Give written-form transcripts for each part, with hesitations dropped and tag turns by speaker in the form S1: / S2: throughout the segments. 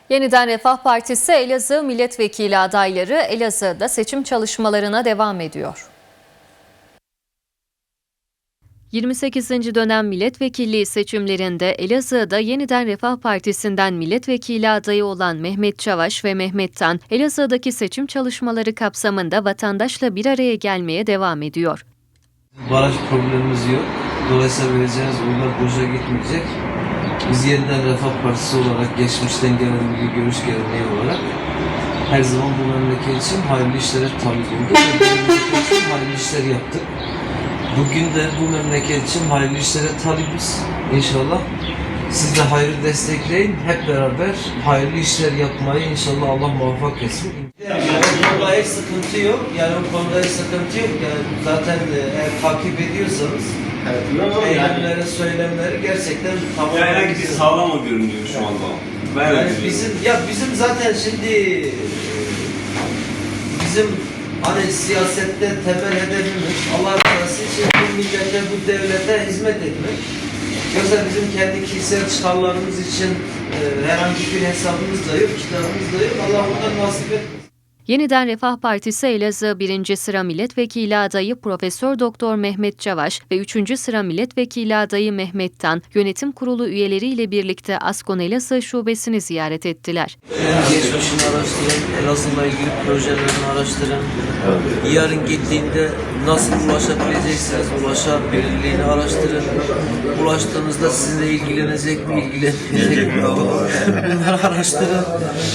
S1: Yeniden Refah Partisi Elazığ milletvekili adayları Elazığ'da seçim çalışmalarına devam ediyor. 28. dönem milletvekilliği seçimlerinde Elazığ'da Yeniden Refah Partisi'nden milletvekili adayı olan Mehmet Çavaş ve Mehmet Tan, Elazığ'daki seçim çalışmaları kapsamında vatandaşla bir araya gelmeye devam ediyor.
S2: Baraj problemimiz yok. Dolayısıyla vereceğiniz oylar boşa gitmeyecek. Biz Yeniden Refah Partisi olarak geçmişten gelen bir görüş geleneği olarak her zaman bu memleket için hayırlı işlere tabi olduk. Bu memleket için hayırlı işler yaptık. Bugün de bu memleket için hayırlı işlere talibiz. İnşallah siz de hayrı destekleyin. Hep beraber hayırlı işler yapmayı inşallah Allah muvaffak etsin. Yani o konuda hiç sıkıntı yok. Yani o konuda hiç sıkıntı yok. Yani zaten eğer takip ediyorsanız eylemleri, söylemleri gerçekten tamamen
S3: herhangi bir sağlam o görünüyor şu anda.
S2: Yani bizim zaten şimdi bizim hani siyasette temel hedefimiz Allah rızası için bu millete, bu devlete hizmet etmek. Yoksa bizim kendi kişisel çıkarlarımız için herhangi bir hesabımız da yok, kitabımız da yok. Allah ondan nasip etmesin.
S1: Yeniden Refah Partisi Elazığ 1. sıra milletvekili adayı Profesör Doktor Mehmet Çavaş ve 3. sıra milletvekili adayı Mehmet Tan, yönetim kurulu üyeleriyle birlikte Askon Elazığ şubesini ziyaret ettiler.
S2: Geçmişini araştırın, Elazığ'la ilgili projelerini araştırın. Yarın gittiğinde nasıl ulaşabileceksiniz, ulaşabilirliğini araştırın. Ulaştığınızda sizinle ilgilenecek mi, ilgilenmeyecek mi? Bunları araştırın.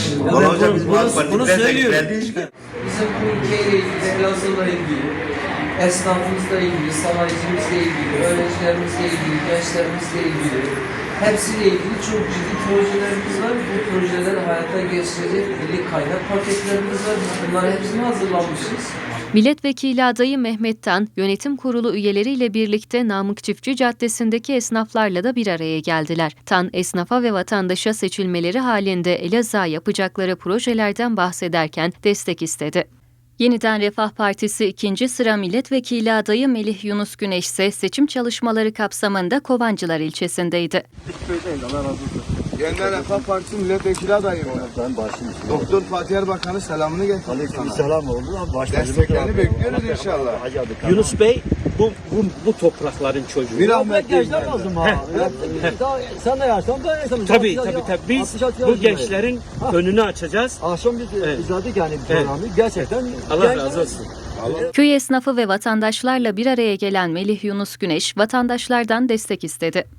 S2: Bunu söylüyorum. Bizim bu ülkeyle ilgili, Elazığ'la ilgili, esnafımızla ilgili, sanayicimizle ilgili, öğrencilerimizle ilgili, gençlerimizle ilgili, hepsiyle ilgili çok ciddi projelerimiz var. Bu projeleri hayata geçirecek birlik kaynak paketlerimiz var. Bunları hepsini hazırlamışız.
S1: Milletvekili adayı Mehmet Tan, yönetim kurulu üyeleriyle birlikte Namık Çiftçi Caddesi'ndeki esnaflarla da bir araya geldiler. Tan, esnafa ve vatandaşa seçilmeleri halinde Elazığ'a yapacakları projelerden bahsederken destek istedi. Yeniden Refah Partisi 2. sıra milletvekili adayı Melih Yunus Güneş ise seçim çalışmaları kapsamında Kovancılar ilçesindeydi.
S4: Yeniden Refah Partisi milletvekili adayım ben. Doktor Fatih Erbakan'ın selamını getirdim.
S5: Aleykümselam oldu.
S4: Desteklerini bekliyoruz inşallah.
S5: Yunus Bey bu toprakların çocuğu.
S4: Bir rahmet
S6: Gençler lazım ha. Sen de yersen ben yersem.
S5: Tabii. Biz bu gençlerin önünü açacağız.
S6: Akşam biz izledik yani bu programı. Gerçekten
S5: Allah razı olsun.
S1: Köy esnafı ve vatandaşlarla bir araya gelen Melih Yunus Güneş, vatandaşlardan destek istedi.